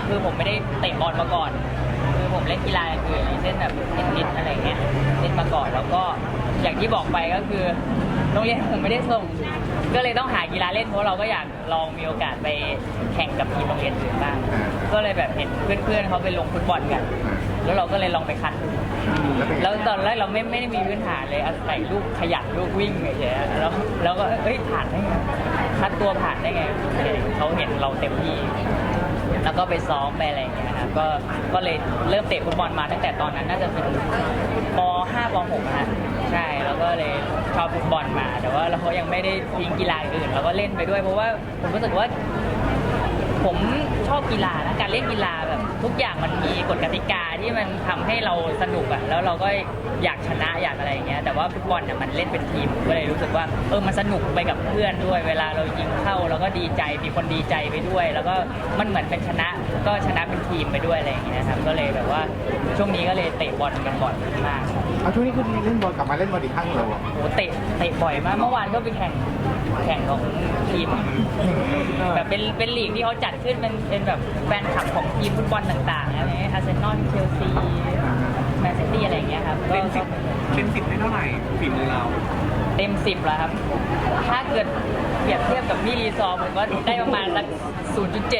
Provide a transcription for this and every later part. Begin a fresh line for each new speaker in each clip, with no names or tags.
คือผมไม่ได้เตะบอลมาก่อนคือผมเล่นกีฬาอย่างอื่นอย่างเช่นแบบเทนนิสอะไรเงี้ยเล่นมาก่อนแล้วก็อย่างที่บอกไปก็คือโรงเรียนผมไม่ได้ส่งก็เลยต้องหากีฬาเล่นเพราะเราก็อยากลองมีโอกาสไปแข่งกับทีมโรงเรียนอื่นบ้างก็เลยแบบเห็นเพื่อนๆเขาไปลงฟุตบอลกันแล้วเราก็เลยลองไปคัดดูแล้วตอนแรกเราไม่ได้มีพื้นฐานเลยอาศัยลูกขยันลูกวิ่งเฉยๆแล้วก็ผ่านได้ไงคัดตัวผ่านได้ไงเขาเห็นเราเต็มที่แล้วก็ไปซ้อมไปอะไรอย่างเงี้ยครับก็เลยเริ่มเตะฟุตบอลมาตั้งแต่ตอนนั้นน่าจะเป็นป .5 ป .6 นะใช่แล้วก็เลยชอบฟุตบอลมาแต่ว่าเรายังไม่ได้ทิ้งกีฬาอื่นเราก็เล่นไปด้วยเพราะว่าผมรู้สึกว่าผมชอบกีฬานะการเล่นกีฬาแบบทุกอย่างมันมีกฎกติกาที่มันทำให้เราสนุกอ่ะแล้วเราก็อยากชนะอยากอะไรอย่างเงี้ยแต่ว่าฟุตบอลเนี่ยมันเล่นเป็นทีมก็เลยรู้สึกว่ามันสนุกไปกับเพื่อนด้วยเวลาเรายิงเข้าเราก็ดีใจมีคนดีใจไปด้วยแล้วก็มันเหมือนเป็นชนะก็ชนะเป็นทีมไปด้วยอะไรอย่างเงี้ยครับก็เลยแบบว่าช่วงนี้ก็เลยเตะบอลกันบ่อยมาก
เอาช่วงนี้คุณเล่นบอลกลับมาเล่นบอลอีกครั้งเหรอ
โอ้เตะบ่อยมากเมื่อวานก็ไปแข่งของทีมแบบเป็นลีกที่เขาจัดขึ้นเป็นแบบแฟนคลับของทีมฟุตบอลต่างๆอะไรอาร์เซนอลเชลซีแมนซิตี้อะไรอย่างเงี้ยครับ
เต็ม10ได้เท่าไหร่ฝีมือเรา
เต็ม10แล้วครับถ้าเกิดเปรียบเทียบกับพี่รีซอร์ผมก็ได้ประมาณสัก 0.7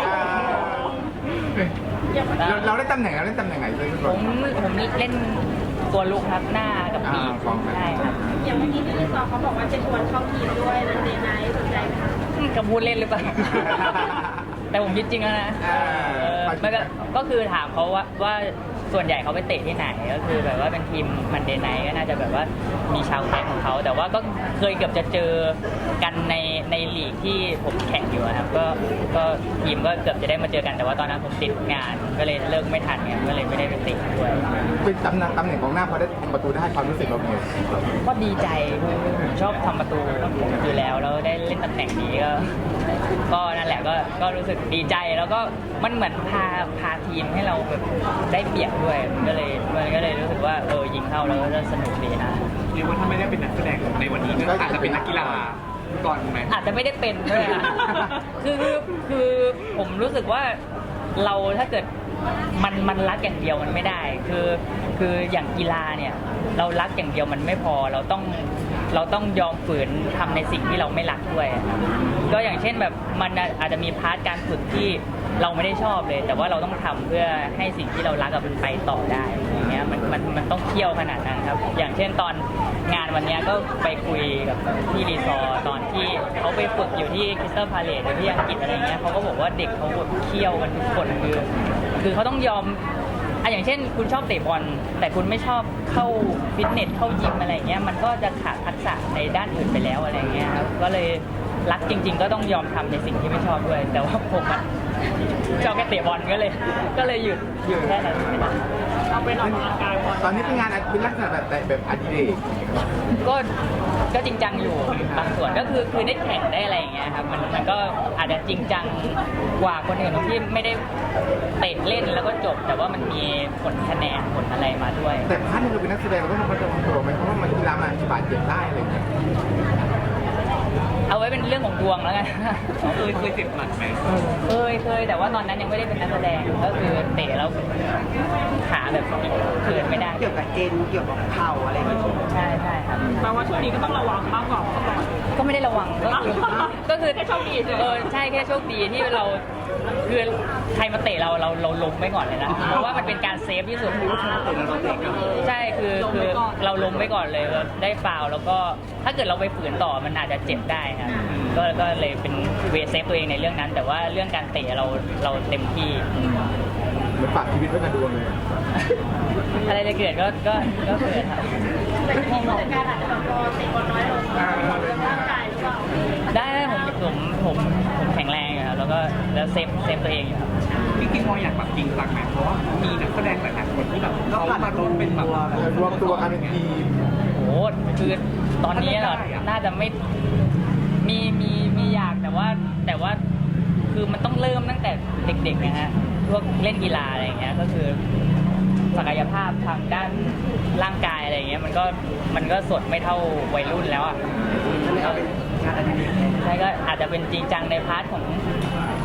เราได้ตำแหน่งไหนเลย
ผมเล่นตัวลุกครับหน้ากับปีกใช่ครับ
อย่างเมื่อกี้ที่รีซอร์เขาบอกว่าจะชวนเข้าทีมด้วยนันเดย์ไนท์สนใจไหมคะ
กับพูดเล่นหรือเปล่า แต่ผมคิดจริงแล้วนะมันก็คือถามเขาว่าส่วนใหญ่เขาไปเตะที่ไหนก็คือแบบว่าเป็นทีมมันเดย์ไนท์ก็น่าจะแบบว่ามีชาวแคมป์ของเขาแต่ว่าก็เคยเกือบจะเจอกันในลีกที่ผมแข่งอยู่ครับก็ทีมก็เกือบจะได้มาเจอกันแต่ว่าตอนนั้นผมติดงานก็เลยเลิกไม่ทันไงก็เลยไม่ได้ไปติดด้วย
เป็นตำแหน่งของหน้าพอได้ทำประตูได้ความรู้สึกเราเป็น
ก็ดีใจผมชอบทำประตูอยู่แล้วได้เล่นตำแหน่งนี้ก็นั่นแหละก็รู้สึกดีใจแล้วก็มันเหมือนพาทีมให้เราแบบได้เปรียบด้วยมันก็เลยรู้สึกว่ายิงเข้าแล้วก็สนุกดีนะ
เรียกว่าถ้าไม่ได้เป็นนักแสดงในวันนี้ก็อาจจะเป็นนักกีฬาก่อนไหม
อาจจะไม่ได้เป็นด้วยคือผมรู้สึกว่าเราถ้าเกิดมันรักอย่างเดียวมันไม่ได้คืออย่างกีฬาเนี่ยเรารักอย่างเดียวมันไม่พอเราต้องยอมฝืนทำในสิ่งที่เราไม่รักด้วยก็อย่างเช่นแบบมันอาจจะมีพาร์ทการฝึกที่เราไม่ได้ชอบเลยแต่ว่าเราต้องทำเพื่อให้สิ่งที่เรารักมันไปต่อได้อย่างเงี้ยมันต้องเที่ยวขนาดนั้นครับอย่างเช่นตอนงานวันนี้ก็ไปคุยกับพี่รีซอร์ตอนที่เขาไปฝึกอยู่ที่คริสตัลพาเลซที่อังกฤษอะไรเงี้ยเขาก็บอกว่าเด็กเขาเที่ยวกันทุกคนคือเขาต้องยอมอย่างเช่นคุณชอบเตะบอลแต่คุณไม่ชอบเข้าฟิตเนสเข้ายิมอะไรเงี้ยมันก็จะขาดทักษะในด้านอื่นไปแล้วอะไรเงี้ยครับก็เลยรักจริงๆก็ต้องยอมทำในสิ่งที่ไม่ชอบด้วยแต่ว่าผมชอบแค่เตะบอลก็เลยหยุดแค่นั้น
เอาไปออกกำลังกาย
ตอนนี้เป็นงานเป็นลักษณะแบบอดิเรก
ก็จริงจังอยู่บางส่วนก็คือได้แข่งได้อะไรอย่างเงี้ยครับมันก็อาจจะจริงจังกว่าคนอื่นที่ไม่ได้เตะเล่นแล้วก็จบแต่ว่ามันมีผลคะแนนผลอะไรมาด้วย
แต่ถ้าเราเป็นนักแสดงเราต้องระวังตัวไหมเพราะว่ามันกีฬามันบาดเจ็บได้อะไรอย่างเงี้ย
เอาไว้เป็นเรื่องของดวงแล้วไง
เคยเจ็บหนักไหม
เคยแต่ว่าตอนนั้นยังไม่ได้เป็นนักแสดงก็คือเตะแล้วขาแบบเกินไม่ได้
เกี่ยวกับเอ็นเกี่ยวกับเข่าอะไรอย่างเงี้ย
ใช่ครับ
แปลว่าช่วงนี้ก็ต้องระวังมากกว่าเมื่อก่อน
ก็ไม่ได้ระวังก็คือ
แค่โชคดี
ใช่แค่โชคดีที่เราคือใครมาเตะเราล้มไว้ก่อนเลยนะเพราะว่ามันเป็นการเซฟที่สุดใช่คือเราล้มไว้ก่อนเลยได้ฟาวแล้วก็ถ้าเกิดเราไปฝืนต่อมันอาจจะเจ็บได้ครับก็เลยเป็นเวเซฟตัวเองในเรื่องนั้นแต่ว่าเรื่องการเตะเราเต็มที่
เหมือนฝากชีวิตไว้กับดวงเลย
อะไรจะเกิดก็เกิดครับ
แต่ที่นี่การอาจจะแบบเตะบอลน้อยลงร่างกายหรือเปล่า
ได้ผมแข็งแรงอยู่ครับแล้วเซฟตัวเองอยู่ครับ
พี่กิ๊กมองอยากแบบจริงจังไหมเพราะว่ามีนักแสดงหลายๆคนที่แบบเขามาร่วมเป็นแบบ
รวมตัวกันเป็นทีม
โอ้คือตอนนี้น่าจะไม่มีอยากแต่ว่าคือมันต้องเริ่มตั้งแต่เด็กๆนะฮะพวกเล่นกีฬาอะไรอย่างเงี้ยก็คือศักยภาพทางด้านร่างกายอะไรอย่างเงี้ยมันก็สดไม่เท่าวัยรุ่นแล้วอ่ะใช่ก็อาจจะเป็นจริงจังในพาร์ทของ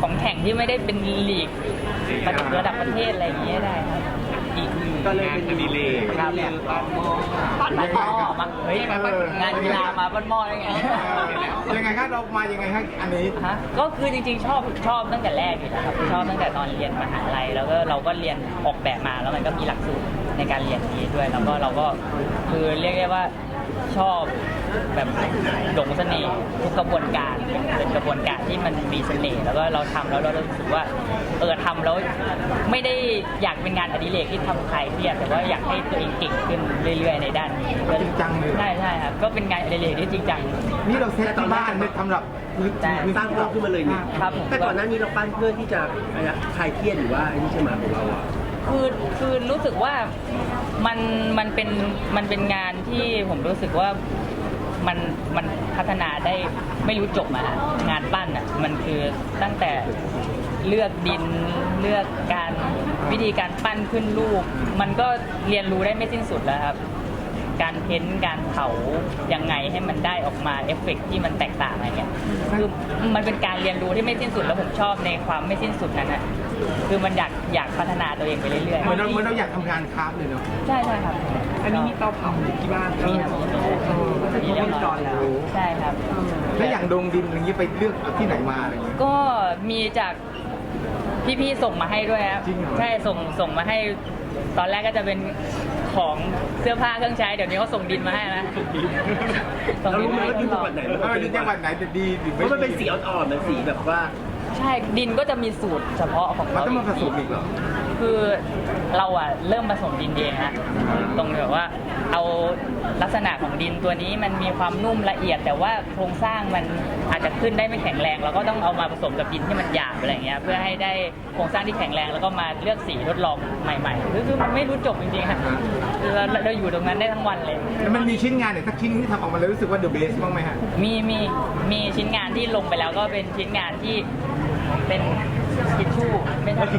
ของแข่งที่ไม่ได้เป็นลีกระดับประเทศอะไรอย่างเงี้ยได้ครับ
อีกหนึ่ง
ก็เลย
งาน
เป็น
อดิเรก
ครับ
คือปั้นหม้อ
ปั้นหม้อมาเฮ้ยงานกีฬามาปั้นหม้อได้ไง
ยังไงครับเรามายังไงครับอันนี้
ฮะก็คือจริงๆชอบตั้งแต่แรกอยู่แล้วครับชอบตั้งแต่ตอนเรียนมหาลัยแล้วก็เราก็เรียนออกแบบมาแล้วมันก็มีหลักสูตรในการเรียนนี้ด้วยแล้วก็เราก็คือเรียกได้ว่าชอบแบบหลงเสน่ห์ทุกกระบวนการเป็นกระบวนการที่มันมีเสน่ห์แล้วก็เราทำแล้วเรารู้สึกว่าทำแล้วไม่ได้อยากเป็นงานอดิเรกที่ทำใครเครียดแต่ว่าอยากให้ตัวเองเก่งขึ้นเรื่อยๆในด้านนี้
จริงจังเลย
ใช่ครับก็เป็นงานอดิเรกที่จริงจัง
นี่เราเซตที่บ้านเนี่ยสำหรับพื้น
ใช่
ที่
สร้างเพิ่มขึ้นมาเลยนี่
ครับผม
แต่ก่อนหน้านี้เราปั้นเพื่อที่จะคลายเครียดหรือว่าไอ้นี่ใช่ไหมของเราอ่ะ
คือรู้สึกว่ามันเป็นงานที่ผมรู้สึกว่ามันพัฒนาได้ไม่รู้จบอะฮะงานปั้นอ่ะมันคือตั้งแต่เลือกดินเลือกการวิธีการปั้นขึ้นรูปมันก็เรียนรู้ได้ไม่สิ้นสุดแล้วครับ การเพ้นท์การเผายังไงให้มันได้ออกมาเอฟเฟกต์ที่มันแตกต่างอะไรเงี้ยคือมันเป็นการเรียนรู้ที่ไม่สิ้นสุดแล้วผมชอบในความไม่สิ้นสุดนั้นนะคือมันอยากพัฒนาตัวเองไปเรื่อยๆ
เหมือนเราอยากทำงานคราฟต์เลยเนาะ
ใช่ครับ
อันนี้มีเตาเผาที่บ้าน
มีครับมีเรียบร้อยแล้วใช่ครับ
แล้วอย่างดงดินอย่างนี้ไปเลือกเอาที่ไหนมาอะไรอย่างเงี้ย
ก็มีจากพี่ๆส่งมาให้ด้วยครับ
จริงเหรอ
ใช่ส่งมาให้ตอนแรกก็จะเป็นของเสื้อผ้าเครื่องใช้เดี๋ยวนี้เขาส่งดินมาให้นะส่ง
เรา
ดิน
รู้ไหม
มาให้
ว่าดิน
ท
จั
ด
ง
ล
ห
อ
วั
ง
ดไหน
ดินจังหวัดไหนจะดีหรือ
เพ
ไม่
ราะมันเป็นสีอ่อนๆมันสีแบบว่า
ใช่ดินก็จะมีสูตรเฉพาะของ
มัน
เขา
ต้องมาผสมอีกเหรอ
คือเราอะเริ่มผสมดินเองฮะตรงแบบว่าเอาลักษณะของดินตัวนี้มันมีความนุ่มละเอียด แต่ว่าโครงสร้างมันอาจจะขึ้นได้ไม่แข็งแรงเราก็ต้องเอามาผสมกับดินที่มันหยาบอะไรเงี้ยเพื่อให้ได้โครงสร้างที่แข็งแรงแล้วก็มาเลือกสีทดลองใหม่ๆคือมันไม่รู้จบจริงๆฮะคือเราอยู่ตรงนั้นได้ทั้งวันเลย
แล้วมันมีชิ้นงานเนี่ยสักชิ้นที่ทำออกมาแล้วรู้สึกว่าเดอะเบสบ้างไหมฮะ
มีชิ้นงานที่ลงไปแล้วก็เป็นชิ้นงานที่เป็นทิชชู่ไม่ใช่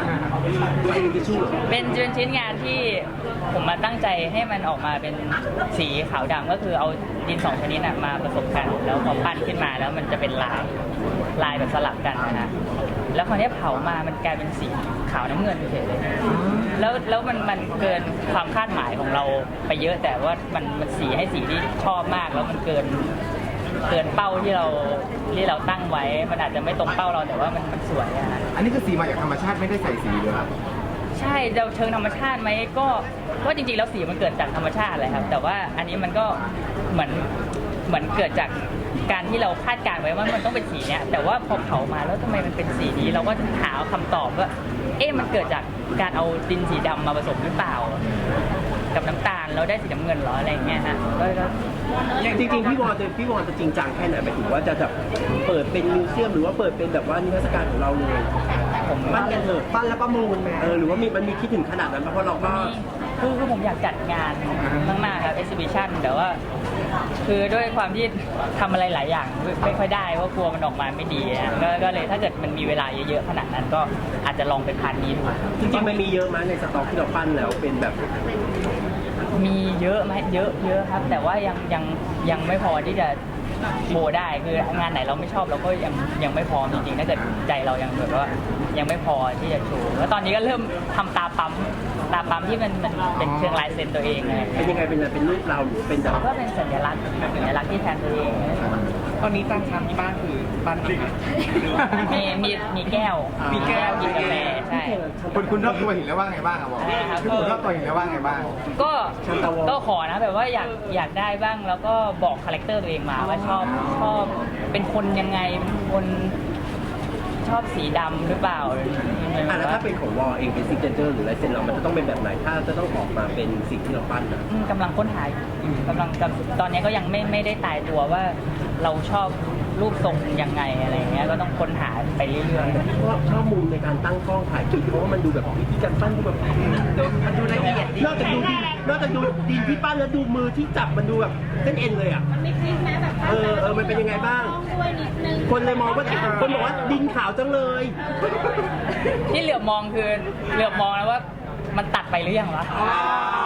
เป็นชิ้นงานที่ผมมาตั้งใจให้มันออกมาเป็นสีขาวดำก็คือเอาดินสองชนิดน่ะมาผสมกันแล้วพอปั้นขึ้นมาแล้วมันจะเป็นลายแบบสลับกันนะฮะแล้วคราวนี้เผามามันกลายเป็นสีขาวน้ำเงินเฉยๆเลยแล้วมันเกินความคาดหมายของเราไปเยอะแต่ว่ามันสีให้สีที่ชอบมากแล้วมันเกินเป้าที่เราตั้งไว้ มันอาจจะไม่ตรงเป้าเราแต่ว่ามันสวยอะฮะ
อันนี้คือสีมาจากธรรมชาติไม่ได้ใส่สีเลยครับ
ใช่เราเชิงธรรมชาติไหมก็จริงๆแล้วสีมันเกิดจากธรรมชาติเลยครับ แต่ว่าอันนี้มันก็เหมือนเกิดจากการที่เราคาดการณ์ไว้ว่ามันต้องเป็นสีเนี้ยแต่ว่าพอเผามาแล้วทำไมมันเป็นสีนี้เราก็หาคำตอบว่ามันเกิดจากการเอาดินสีดำมาผสมหรือเปล่า กับน้ำตาลแล้วได้สีน้ำเงินเหรออะไรเงี้ยฮะก็
จริงๆพี่วอนจะจริงจังแค่ไหนหมายถึงว่าจะแบบเปิดเป็นมิวเซียมหรือว่าเปิดเป็นแบบว่านิทรรศการของเราเลย
ผม
ปั้นกันเถอะปั้นแล้วประมูลหรือว่ามันมีคิดถึงขนาดนั้นไหมเพราะเราก็
คือผมอยากจัดงานมากๆครับ exhibition แต่ว่าคือด้วยความที่ทำอะไรหลายอย่างไม่ค่อยได้เพราะกลัวมันออกมาไม่ดีอะก็เลยถ้าเกิดมันมีเวลาเยอะๆขนาดนั้นก็อาจจะลองเป็นพาร์ทนี้ดู
จริงๆมันมีเยอะไหมในสต็อกที่เราปั้นแล้วเป็นแบบ
มีเยอะไหมเยอะครับ แต่ว่ายังไม่พอที่จะโชว์ได้คืองานไหนเราไม่ชอบเราก็ยังไม่พร้อมจริงๆถ้าเกิดใจเรายังแบบว่ายังไม่พอที่จะโชว์แล้วตอนนี้ก็เริ่มทำตาปั๊มที่มันเป็นเชิงลายเซ็นตัวเองอะไร
เป็นยังไงเป็นรูปเราหรือเป็นแบบ
ก็เป็นสัญลักษณ์ที่แทนตัวเอง
ตอนนี้ตั้งชามที่บ้านคือปั้นเองไหมหรือว่า
มีแก้ว
มีแก้ว
กินกาแฟใช่
คุณรอบตัวเห็นแล้วว่าไงบ้างครับบอก
ใช่ครับ
คุณรอบตัวเห็นแล้วว่าไงบ้าง
ก็ขอนะแบบว่าอยากได้บ้างแล้วก็บอกคาแรคเตอร์ตัวเองมาว่าชอบเป็นคนยังไงเป็นคนชอบสีดำหรือเปล่า
แล้วถ้าเป็นของวอเองเป็นซิกเนเจอร์หรือลายเซ็นเรามันจะต้องเป็นแบบไหนถ้าจะต้องออกมาเป็นสิ่งที่เราปั้นนะ
กำลังค้นหาอยู่ตอนนี้ก็ยังไม่ได้ตายตัวว่าเราชอบรูปทรงยังไงอะไรเงี้ยก็ต้องค้นหาไปเรื่อยๆ
เพราะชอบมุมในการตั้งกล้องถ่ายคลิปเพราะว่ามันดูแบบวิธีการปั้นดูแบบมันดูละเอียดนอกจากดูดินที่ปั้นแล้วดูมือที่จับมันดูแบบเส้นเอ็นเลยอ่ะ
มันไม่คลิกไหมแบบ
มันเป็นยังไงบ้าง
ต้องด้วยนิดนึง
คนเลยมองว่าคนบอกว่าดินขาวจังเลย
ที่เหลือบมองคือเหลือบมองแล้วว่ามันตัดไปหรือยังวะไม่งั้น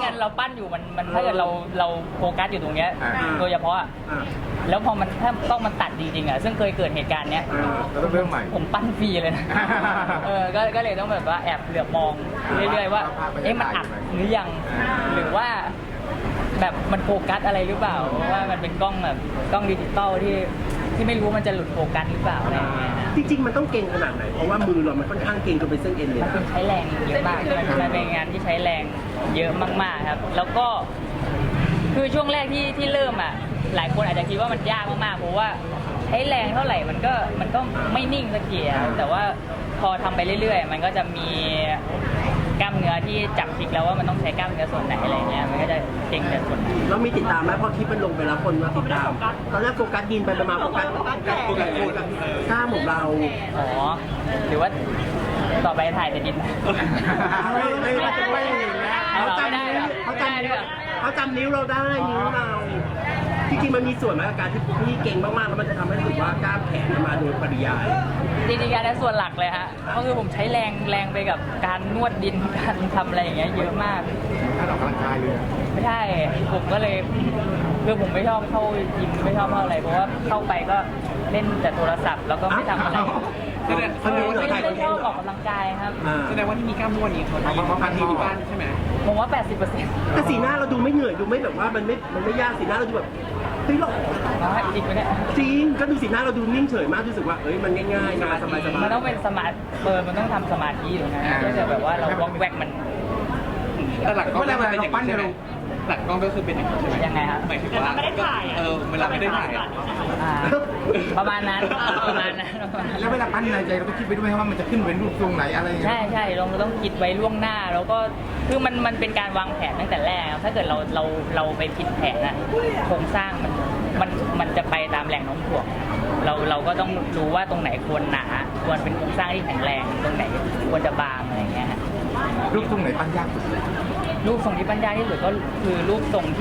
เราปั้นอยู่มันถ้าเกิดเราโฟกัสอยู่ตรงเนี้ย
อ่า
โดยเฉพาะอะ
อ่ะ
แล้วพอมันถ้ากล้องมันตัดจริงๆอ่ะซึ่งเคยเกิดเหตุการณ์เนี้ย
เราต้องเริ่มใหม่
ผมปั้นฟรีเลยนะ ก็เลยต้องแบบว่าแอบเหลือบมองเรื่อยๆว่าเอ๊ะมันอัดหรือยังหรือว่าแบบมันโฟกัสอะไรหรือเปล่าเพราะว่ามันเป็นกล้องแบบกล้องดิจิตอลที่ไม่รู้ว่ามันจะหลุดโฟกัสหรือเปล่าอะไรอย่างเงี้ย
จริงๆมันต้องเก่งขนาดไหนเพราะว่ามือเรามันค่อนข้างเก่งจนเป็นเส้นเอ็นเลย
มัน
นะ
เป็นใช้แรงเยอะมากมันเป็นงานที่ใช้แรงเยอะมากๆครับ แล้วก็คือช่วงแรกที่เริ่มอ่ะหลายคนอาจจะคิดว่ามันยากมากๆเพราะว่าใช้แรงเท่าไหร่มันก็ไม่นิ่งสักทีอะแต่ว่าพอทำไปเรื่อยๆ มันก็จะมีกล้ามเนื้อที่จับคลิกแล้วว่ามันต้องใช้กล้ามเนื้อส่วนไหนอะไรเงี้ยมันก็จะเก่งแต่ส่วนไหน
เรามีติดตามไหมพอคลิปมันลงไปแล้วคนมาติดตามตอนแรกโฟกัสดินไปมาโฟกัสกล้ามของเรา
อ๋อหรือว่าต่อไปถ่ายแต่ดิน
ไม่เห็นแล้ว
เขาจำนิ้วเขาจำนิ้วเราได้นิ้วเราจริงๆมันมีส่วนไหมกับการที่พี่เก่งมากๆแล้วมันจะทำให้รู้สึกว่ากล้ามแขนมันมาโดยปริยาย
จริงๆการนั้นส่วนหลักเลยฮะก็คือผมใช้แรงไปกับการนวดดินการทำอะไรอย่างเงี้ยเยอะมาก
ถ้าออกกำลังกายเลย
ไม่ใช่ผมก็เลยคือผมไม่ชอบเข้ายิมไม่ชอบเข้าอะไรเพราะว่าเข้าไปก็เล่นแต่โทรศัพท์แล้วก็ไม่ทำอะไร
เขาดูว่าเราถ่ายคอนเท
ช
น
อบ
ต์
ออกกำลังกายครับ
แสดงว่าที่มีกล้ามนวดนี้เขาทำที่บ้านใช่ไหม
ผมว่า 80%
แต่สีหน้าเราดูไม่เหนื่อยดูไม่แบบว่ามันไม่ยากสีหน้าเราดูแบบเฮ้ยเรา
น้อยจริงไหมเนี่ย
จริงก็ดูสีหน้าเราดูนิ่งเฉยมากรู้สึกว่าเอ้ยมันง่ายๆงานสบาย
มันต้องเป็นสมาธิมันต้องทำสมาธิอยู่นะถ้าเกิดแบบว่าเราวอกแวกมัน
แต่หลักกล้องมันเป็นอย่างนี้ใช่ไหมหลักกล้องก็คือเป็นอย่างนี้ใช่ไหม
ยังไงครับ
หมายถึงว่าเวลาไม่ได้ถ่าย
อ่าประมาณนั้น
แล้วเวลาปั้นในใจเราก็คิดไปด้วยว่ามันจะขึ้นเป็นรูปทรงไหนอะไรอย่างเงี้ย
ใช่เราต้องคิดไว้ล่วงหน้าแล้วก็คือมันเป็นการวางแผนตั้งแต่แรกครับถ้าเกิดเราไปผิดแผนอะโครงสร้างมันจะไปตามแรงโน้มถ่วงเราก็ต้องรู้ว่าตรงไหนควรหนาควรเป็นโครงสร้างที่แข็งแรงตรงไหนควรจะบางอะไรอย่างเงี้ยฮะ
รูปทรงไหนปั้นยากสุดเลย
รูปทรงที่ปัญญากที่สุดก็คือรูปทรง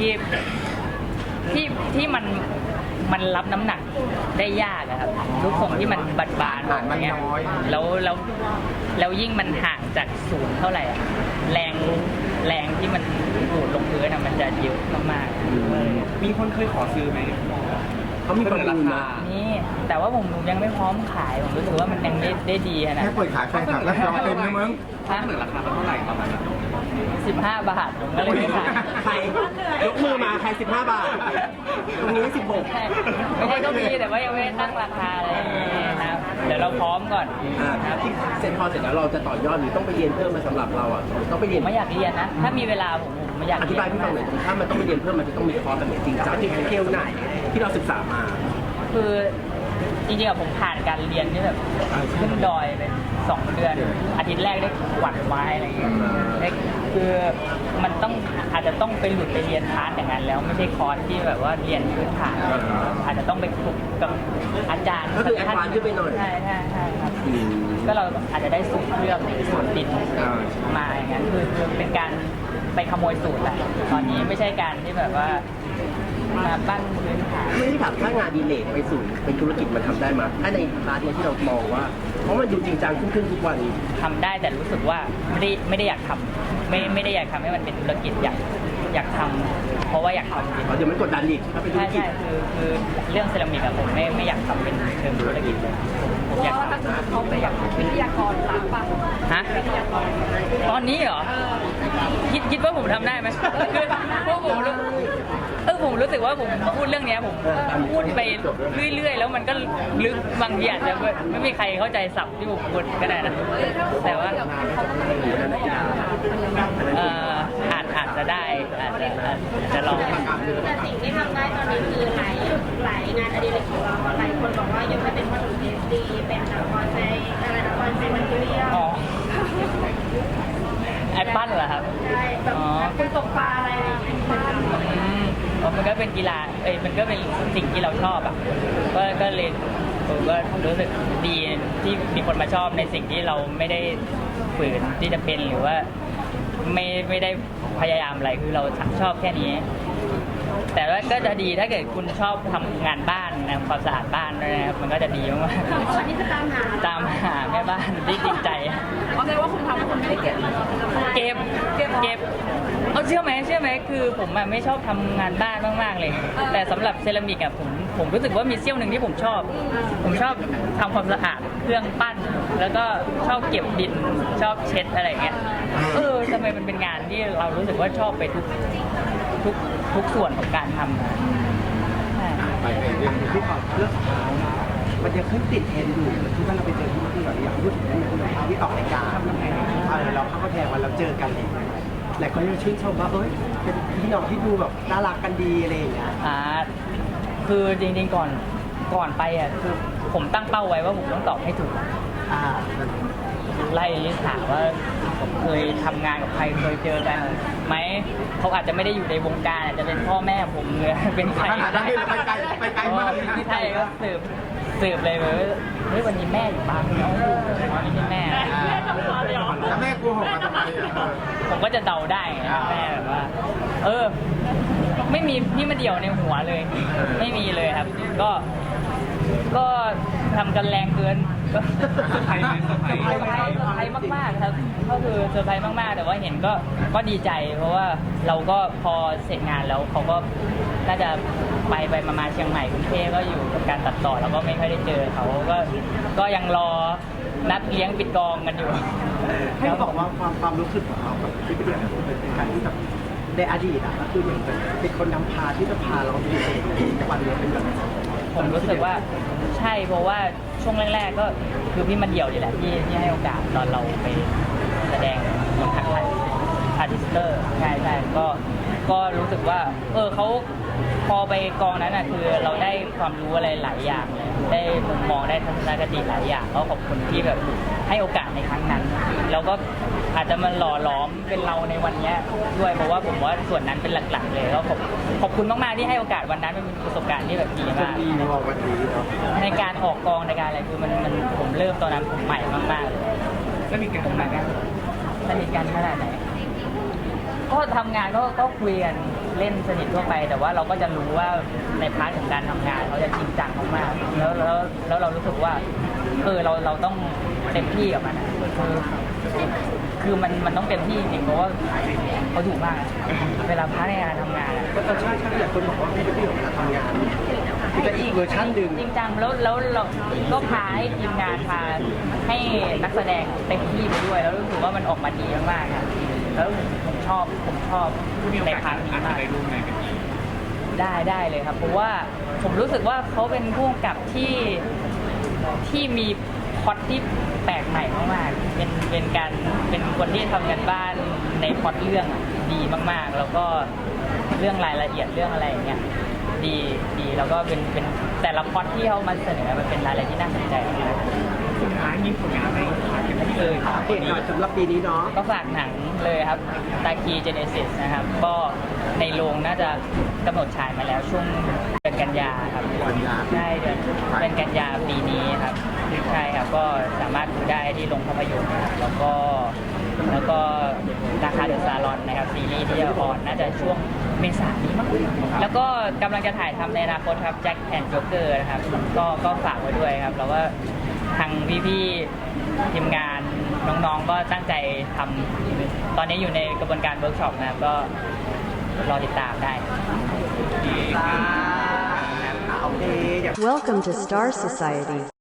ที่มันรับน้ำหนักได้ยากอะครับรูปทรงที่มันบานๆอย่างเงี้ยแล้วยิ่งมันห่างจากศูนย์เท่าไหร่อะแรงที่มันดูดลงพื้นอะมันจะเยอะมากๆ
มีคนเคยขอซื้อไหม
ๆเขามีประมูลนะ
นี่แต่ว่าผมยังไม่พร้อมขายผมรู้สึกว่ามันยังได้ดีขนาด
แค่เปิดขายแฟนคลับแล้วจองเต็มนะมึง
ถ้าเหนือราคาเท่าไหร่ประมาณนั้น
15 บาทผมก็เลยไม่ขาย
ใครยกมือมาใคร15 บาท ตรงนี้ 16
ไม่ใช่ก็มีแต่ว่ายังไม่ได้ตั้งราคาอะไรอย่างเงี้ยนะครับเดี๋ยวเราพร้อมก่อนนะครับ
ที่เซ็นพอเสร็จแล้วเราจะต่อยอดหรือต้องไปเรียนเพิ่มมาสำหรับเราอ่ะต้องไปเรียน
ไม่อยากเรียนนะ ถ้ามีเวลาผมไม่อยาก
อธิบายพี่ฟังหน่อยถ้ามันต้องไปเรียนเพิ่มมันจะต้องมีคอร์สแบบไหนจริงจังที่เทลไหนที่เราศึกษามา
คือจริงๆอะผมผ่านการเรียนที่แบบขึ้นดอยไป2 เดือน อาทิตย์แรกได้กวาดไม้อะไรอย่างเงี้ยคือมันต้องอาจจะต้องไปหลุดไปเรียนคลาสอย่างนั้นแล้วไม่ใช่คอร์สที่แบบว่าเรียนพื้นฐานอาจจะต้องไปฝึกกับอาจารย์
ก็คือแอดวานซ์ขึ้นไปหน่อย
ใช่ครับก็เราอาจจะได้สูตรเครื่องสูตรดินมาอย่างนั้นคือเป็นการไปขโมยสูตรแหละตอนนี้ไม่ใช่การที่แบบว่ามาปั้นพื้นฐาน
ไม่ได้ถามถ้างานดีเลทไปสู่เป็นธุรกิจมันทำได้ไหมถ้าในพาร์ทเนี้ยที่เรามองว่า เพราะมันดูจริงจังขึ้นทุกวัน
ทำได้แต่รู้สึกว่าไม่ได้อยากทำไม่ได้อยากทำให้มันเป็นธุรกิจอยากทำเพราะว่าอยากทำจริง
เดี๋ยวมันกดดันอีกถ้าเป็นธุร
ใช่
กิจ
คือเรื่องเซรามิกอะผมไม่อยากทำเป็นเชิงธุรกิจเลยผมอยากทำ
เขาไปอยากวิทยากรหลังป่ะ
ฮะตอนนี้เหรอคิดว่าผมทำได้ไหมคือพวกผมผมรู้สึกว่าผมพูดเรื่องเนี้ยผมพูดไปเรื่อยๆแล้วมันก็ลึกบางทีอาจจะไม่มีใครเข้าใจศัพท์ที่ผมพูดก็ได้นะแต่ว่าอาจจะได้อาจจะลอง
แต่สิ่งที่ทำได้ตอนนี้คือหลายงานอดิเรกของเราหลายคนบอกว่ายังไม่เป็นวัตถุดิบดีเป็นละครใจอะไรละครใจมันเรียล
อ๋อแอปปั้นเหรอครับ
ใช่แบบคุณตกปลาอะไรอย่างเงี้ย
มันก็เป็นกีฬามันก็เป็นสิ่งที่เราชอบอ่ะก็เลยผมก็รู้สึกดีที่มีคนมาชอบในสิ่งที่เราไม่ได้ฝืนที่จะเป็นหรือว่าไม่ได้พยายามอะไรคือเราชอบแค่นี้แต่ว่าก็จะดีถ้าเกิดคุณชอบทำงานบ้านนะความสะอาดบ้านด้วยนะครับมันก็จะดีมาก
ก่อนที่จะตามหา
ๆตามหาแม่บ้านที่จริงใจ
เพราะแสดงว่าคุณทำคุณไม่ได้เก็บ
เก็บเอาเชื่อไหมคือผมอะไม่ชอบทำงานบ้านมากๆเลย แต่สำหรับเซรามิกอะผมรู้สึกว่ามีเสี้ยวหนึ่งที่ผมชอบทำความสะอาดเครื่องปั้น แล้วก็ชอบเก็บดินชอบเช็ดอะไรอย่างเงี้ยทำไมมันเป็นงานที่เรารู้สึกว่าชอบไปทุกส่วนของการทำอะใช่
ไปในเรื่อง
ที่ก่อนเรื่องสุดท้ายมันจะขึ้นติดเทรนด์อยู่ที่ว่าเราไปเจอที่แบบอยากพูดถึงเรื่องนี้ที่ออกรายการเราเข้ามาแทนวันเราเจอกันเลยหลายคนยังชื่นชมว่าเป็นพี่น้องที่ดูแบบน่ารักกันดีอะไรอย่างเงี้ย
คือจริงๆก่อนไปอ่ะคือผมตั้งเป้าไว้ว่าผมต้องตอบให้ถูก ไล่ถามว่าผมเคยทำงานกับใครเคยเจอกันไหมเขาอาจจะไม่ได้อยู่ในวงการอาจจะเป็นพ่อแม่ผมเลยเป็นใคร
ขนาดนั้นเลยไปไกลมากเลยนะ
ใช่ก็สืบเลยว่าเฮ้ยวันนี้แม่อยู่บ้านเขาอยู่วันนี้แม่
แล้วแม่กลัวหกมาทำไมอ่ะ
ผมก็จะเดาได้ไงแม่แบบว่าไม่มีพี่มาเดี่ยวในหัวเลย ไม่มีเลยครับ ก็ทำกันแรงเกินก็
เซอร์ไพรส์ไหมเซอร์ไพรส์
เซอร์ไพรส์มากๆครับก็คือเซอร์ไพรส์มากๆแต่ว่าเห็นก็ดีใจ เพราะว่าเราก็พอเสร็จงานแล้วเขาก็น่าจะไปมาเชียงใหม่กรุงเทพก็อยู่กับการตัดต่อแล้วก็ไม่ค่อยได้เจอเขาก็ยังรอนัดเลี้ยงปิดกองกันอยู่
ให้บอกว่าความรู้สึกของเรากับที่ไปเดียวเป็นการที่แบบในอดีตก็คือเหมือนเป็นคนนำพาที่จะพาเราไปเองวันนี้เป็นแบบ
ผมรู้สึกว่าใช่เพราะว่าช่วงแรกๆก็คือพี่มันเดี่ยวนี่แหละที่ให้โอกาสตอนเราไปแสดงบนทักทายอาร์ติสเตอร์ใช่ก็รู้สึกว่าเขาพอไปกองนั้นคือเราได้ความรู้อะไรหลายอย่างเลยได้มุมมองได้ทัศนคติหลายอย่างก็ขอบคุณที่แบบให้โอกาสในครั้งนั้นแล้วก็อาจจะมาหล่อหลอมเป็นเราในวันนี้ด้วยเพราะว่าผมว่าส่วนนั้นเป็นหลักๆเลยก็ขอบคุณมากๆที่ให้โอกาสวันนั้นเป็นประสบการณ์ที่แบบดีมาก
ดีมองวันนี้เนาะ
ในการออกกองในการอะไรคือมันผมเริ่มตอนนั้นผมใหม่มากๆเลย
แล้วมีการทำงานกัน
สนิทกันขนาดไหนก็ทำงานก็คุยกันเล่นสนิททั่วไป แต่ว่าเราก็จะรู้ว่าในพาร์ทของการทำงานเขาจะจริงจังมากๆแล้วเรารู้สึกว่าเราต้องเต็มที่กับมันอะคือมันต้องเต็มที่จริงๆเพราะว่าเขาดุมากเวลาพาร์ทในการทำงานอะ
ก็ใช่หลายคนบอกว่าพี่ไปเดียวเวลาทำงานคือจะอีกเวอร์ชันหนึ่ง
จริงจังแล้วเราก็พาให้ทีมงานพาให้นักแสดงเต็มที่ไปด้วยแล้วรู้สึกว่ามันออกมาดีมากๆอะแล้วผมชอบ
มีโอ
ใน
กาส
พาร์ทนี้
อาจจะ
มาก
ได้ร่วมงานกันอีก
ได้เลยครับเพราะว่าผมรู้สึกว่าเขาเป็นผู้กำกับที่มีพล็อตที่แปลกใหม่มากๆเป็นคนที่ทำกันบ้านในพล็อตเรื่องดีมากๆ แล้วก็เรื่องรายละเอียดเรื่องอะไรอย่างเงี้ยดีแล้วก็เป็นแต่ละพล็อตที่เขามาเสนอมันเป็นอะไรที่น่าสนใจมาก
สุดท้ายมีผลงานอะไรฝากกันที่เลยครับ
เอกหน่อยสำหรับปีนี้เนาะ
ก็ฝากหนังเลยครับตาคีเจเนซิสนะครับก็ในโรงน่าจะกำหนดฉายมาแล้วช่วงเดือนกันยาครับใช่เดือนกันยาปีนี้ครับใช่ครับก็สามารถดูได้ที่โรงภาพยนตร์นะครับแล้วก็ราคาเดอะซาลอนนะครับซีรีส์ที่จะออนน่าจะช่วงเมษายนนี้มั้งแล้วก็กำลังจะถ่ายทำในอนาคตครับแจ็คแอนด์โจ๊กเกอร์นะครับก็ฝากไว้ด้วยครับแล้วก็ทางพี่ๆทีมงานน้องๆก็ตั้งใจทำตอนนี้อยู่ในกระบวนการเวิร์กช็อปนะครับก็รอติดตามได้
โอเค
Welcome to Star Society.